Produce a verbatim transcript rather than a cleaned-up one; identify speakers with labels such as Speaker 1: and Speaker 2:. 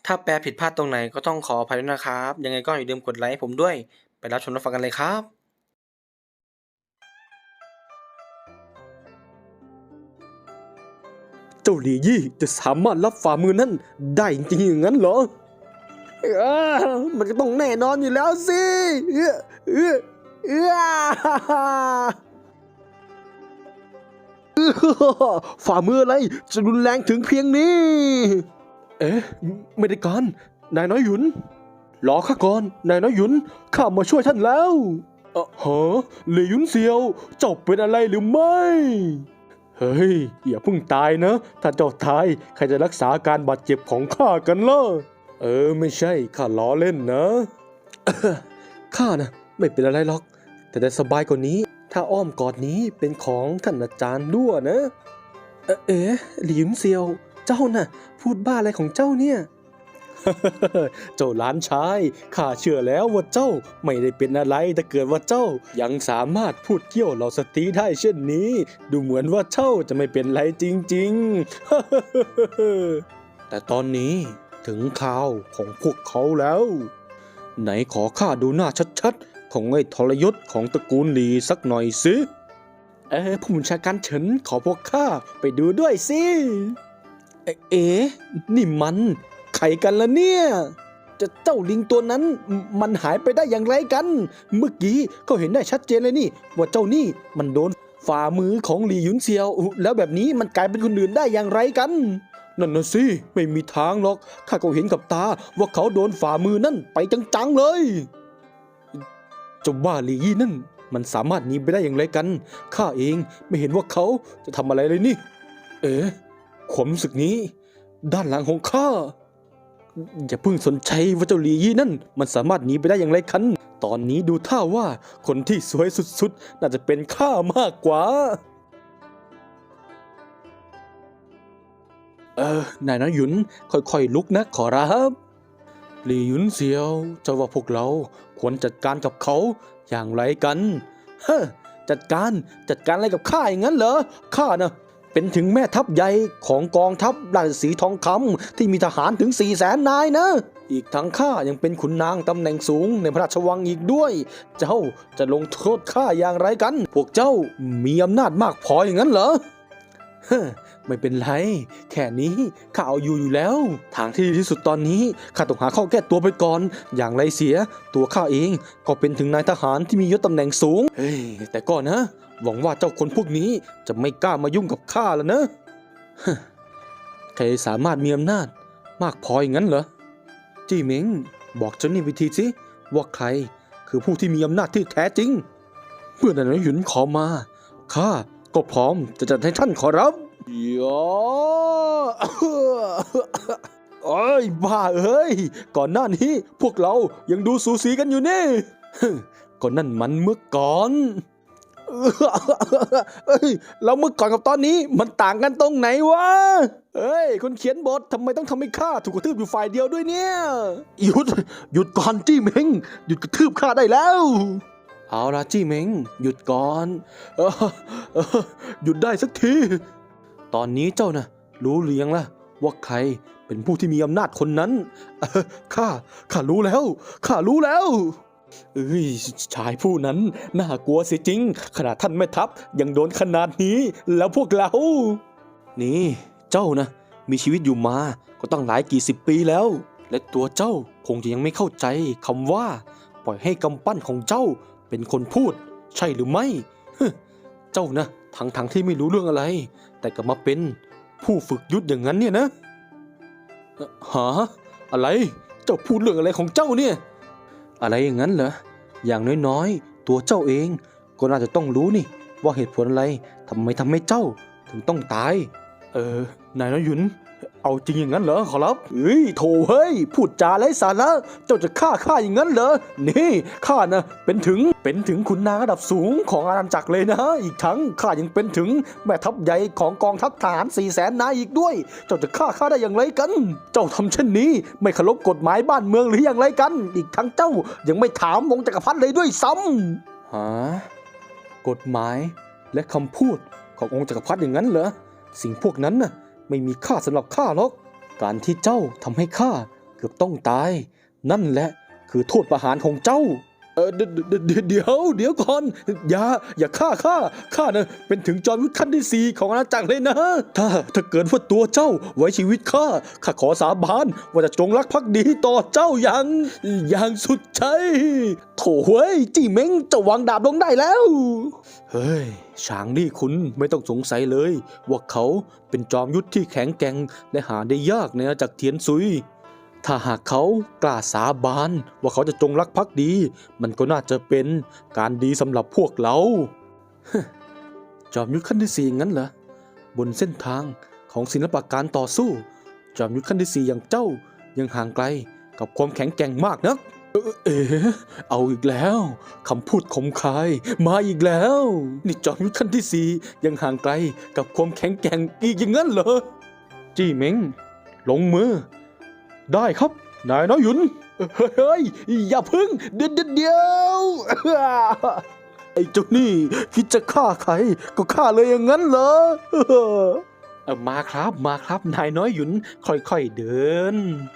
Speaker 1: ถ้าแปลผิดพลาดตรงไหนก็ต้องขออภัยด้วยนะครับ ยังไงก็อย่าลืมกดไลค์ให้ผมด้วย ไปรับชมรับฟังกันเลยครับ
Speaker 2: เจ้าหลี่ยี่จะสามารถรับฝ่ามือนั่นได้จริงๆอย่างนั้นเหรอเออมันก็ต้องแน่นอนอยู่แล้วสิเออเออเออฝ่ามืออะไรจะรุนแรงถึงเพียงนี้เอ๊ะไม่ได้การนายน้อยหยุนรอข้าก่อนนายน้อยหยุนข้ามาช่วยท่านแล้วเออฮะเหลยหยุนเซียวเจ้าเป็นอะไรหรือไม่เฮ้ยอย่าเพิ่งตายนะถ้าเจ้าตายใครจะรักษาอาการบาดเจ็บของข้ากันล่ะเออไม่ใช่ข้าล้อเล่นนะ ข้านะไม่เป็นอะไรหรอกแต่จะสบายกว่านี้ถ้าอ้อมกอดนี้เป็นของท่านอาจารย์ด้วนะเอ๊ะเอ๊ะหลิมเซียวเจ้าน่ะพูดบ้าอะไรของเจ้าเนี่ย เจ้าหลานชายข้าเชื่อแล้วว่าเจ้าไม่ได้เป็นอะไรถ้าเกิดว่าเจ้ายังสามารถพูดเกี่ยวเหล่าสตรีได้เช่นนี้ ดูเหมือนว่าเจ้าจะไม่เป็นไรจริงๆ แต่ตอนนี้ถึงข่าวของพวกเขาแล้ว ไหนขอข้าดูหน้าชัดๆของไอ้ทรยศของตระกูลหลีสักหน่อยสิเออผู้บัญชาการเฉินขอพวกข้าไปดูด้วยสิเอ๊ะเอ๊ะนี่มันใครกันล่ะเนี่ยจะเจ้าลิงตัวนั้นมมันหายไปได้อย่างไรกัน เมื่อกี้ก็เห็นได้ชัดเจนเลยนี่ว่าเจ้านี่มันโดนฝ่ามือของหลี่หยุนเซียวแล้วแบบนี้มันกลายเป็นคนอื่นได้อย่างไรกันนั่นน่ะสิไม่มีทางหรอกข้าก็เห็นกับตาว่าเขาโดนฝ่ามือนั่นไปจังๆเลยเจ้าบ้าหลี่ยี่นั่นมันสามารถหนีไปได้อย่างไรกันข้าเองไม่เห็นว่าเขาจะทำอะไรเลยนี่เอ๋ความรู้สึกนี้ด้านหลังของข้าอย่าเพิ่งสนใจว่าเจ้าหลี่ยี่นั่นมันสามารถหนีไปได้อย่างไรกันตอนนี้ดูท่าว่าคนที่สวยสุดๆน่าจะเป็นข้ามากกว่าเออนายน้อยหยุนค่อยๆลุกนะขอรับหลี่หยุนเซียวเจ้าว่าพวกเราควรจัดการกับเขาอย่างไรกันเฮ้อจัดการจัดการอะไรกับข้าอย่างนั้นเหรอข้านะเป็นถึงแม่ทัพใหญ่ของกองทัพราชสีห์ทองคำที่มีทหารถึงสี่แสนนายนะอีกทั้งข้ายังเป็นขุนนางตำแหน่งสูงในพระราชวังอีกด้วย เจ้าจะลงโทษข้าอย่างไรกัน พวกเจ้ามีอำนาจมากพออย่างนั้นเหรอ เฮ้อไม่เป็นไรแค่นี้ข้าเอาอยู่อยู่แล้วทางที่ดีที่สุดตอนนี้ข้าต้องหาข้อแก้ตัวไปก่อนอย่างไรเสียตัวข้าเองก็เป็นถึงนายทหารที่มียศตำแหน่งสูงเฮ้ยแต่ก็นะหวังว่าเจ้าคนพวกนี้จะไม่กล้ามายุ่งกับข้าแล้วนะฮะใครสามารถมีอำนาจมากพออย่างนั้นเหรอจี้เหมิงบอกเจ้านี่วิธีสิว่าใครคือผู้ที่มีอำนาจที่แท้จริงเมื่อนายหยุนขอมาข้าก็พร้อมจะจัดให้ท่านขอรับยอโอ้ยบ้าเอ้ยก่อนหน้านี้พวกเรายังดูสูสีกันอยู่นี่ก็นั่นมันเมื่อก่อนเอ้ยแล้วเมื่อก่อนกับตอนนี้มันต่างกันตรงไหนวะเอ้ยคนเขียนบททำไมต้องทำให้ข้าถูกกระทืบอยู่ฝ่ายเดียวด้วยเนี่ยหยุดหยุดก่อนจี้เม้งหยุดกระทืบข้าได้แล้วเอาละจี้เม้งหยุดก่อนเออเออหยุดได้สักทีตอนนี้เจ้านะรู้หรือยังล่ะว่าใครเป็นผู้ที่มีอำนาจคนนั้นเออข้าข้ารู้แล้วข้ารู้แล้วเอ้ยชายผู้นั้นน่ากลัวเสียจริงขนาดท่านแม่ทัพยังโดนขนาดนี้แล้วพวกเรานี่เจ้านะมีชีวิตอยู่มาก็ตั้งหลายกี่สิบปีแล้วและตัวเจ้าคงจะยังไม่เข้าใจคำว่าปล่อยให้กำปั้นของเจ้าเป็นคนพูดใช่หรือไม่เจ้านะทั้งทั้งที่ไม่รู้เรื่องอะไรแต่ก็มาเป็นผู้ฝึกยุทธอย่างนั้นเนี่ยนะหาอะไรเจ้าพูดเรื่องอะไรของเจ้าเนี่ยอะไรอย่างนั้นเหรออย่างน้อยๆตัวเจ้าเองก็น่าจะต้องรู้นี่ว่าเหตุผลอะไรทำไมทำให้เจ้าถึงต้องตายเออนายน้อยหยุนเอาจริงอย่างนั้นเหรอขอรับเฮ้ยโถเฮ้ยพูดจาไร้สาระเจ้าจะฆ่าข้าอย่างนั้นเหรอนี่ข้านะเป็นถึงเป็นถึงขุนนางระดับสูงของอาณาจักรเลยนะอีกทั้งข้ายังเป็นถึงแม่ทัพใหญ่ของกองทัพทหารสี่แสนนายอีกด้วยเจ้าจะฆ่าข้าได้อย่างไรกัน เจ้าทำเช่นนี้ไม่เคารพกฎหมายบ้านเมืองหรืออย่างไรกันอีกทั้งเจ้ายังไม่ถามวงศ์จักรพรรดิเลยด้วยซ้ำฮะกฎหมายและคำพูดขององค์จักรพรรดิอย่างนั้นเหรอสิ่งพวกนั้นน่ะไม่มีค่าสำหรับข้าหรอกการที่เจ้าทำให้ข้ากือบต้องตาย นั่นแหละคือโทษประหารของเจ้า เออเดเดเดเดี๋ยวเดี๋ยวก่อนอย่าอย่าฆ่าข้าข้านะเป็นถึงจอมยุทธขั้นที่สี่ของอาณาจักรเลยนะ ถ้าถ้าเกิดว่าตัวเจ้าไว้ชีวิตข้าข้าขอสาบานว่าจะจงรักภักดีต่อเจ้าอย่างอย่างสุดใจโถ่เว้ยจี้เม้งเจะวางดาบลงได้แล้วเฮ้ยช้างนี่คุณไม่ต้องสงสัยเลยว่าเขาเป็นจอมยุทธที่แข็งแกร่งและหาได้ยากในอาณาจักรเทียนซุยถ้าหากเขากล้าสาบานว่าเขาจะจงรักภักดีมันก็น่าจะเป็นการดีสำหรับพวกเรา จอมยุทธขั้นที่สี่งั้นเหรอบนเส้นทางของศิลปะการต่อสู้จอมยุทธขั้นที่สี่อย่างเจ้ายังห่างไกลกับความแข็งแกร่งมากนักเอ่อเอ๋เอาอีกแล้วคำพูดคมคายมาอีกแล้วนี่จอมยุทธขั้นที่สี่ยังห่างไกลกับความแข็งแกร่งอีกอย่างนั้นเหรอจี้เม้งลงมือได้ครับนายน้อยหยุนเฮ้ยอย่าพึ่งเดี๋ยวเดี๋ยวไอ้เจ้านี่คิดจะฆ่าใครก็ฆ่าเลยอย่างนั้นเหรอเออมาครับมาครับนายน้อยหยุนค่อยๆเดิน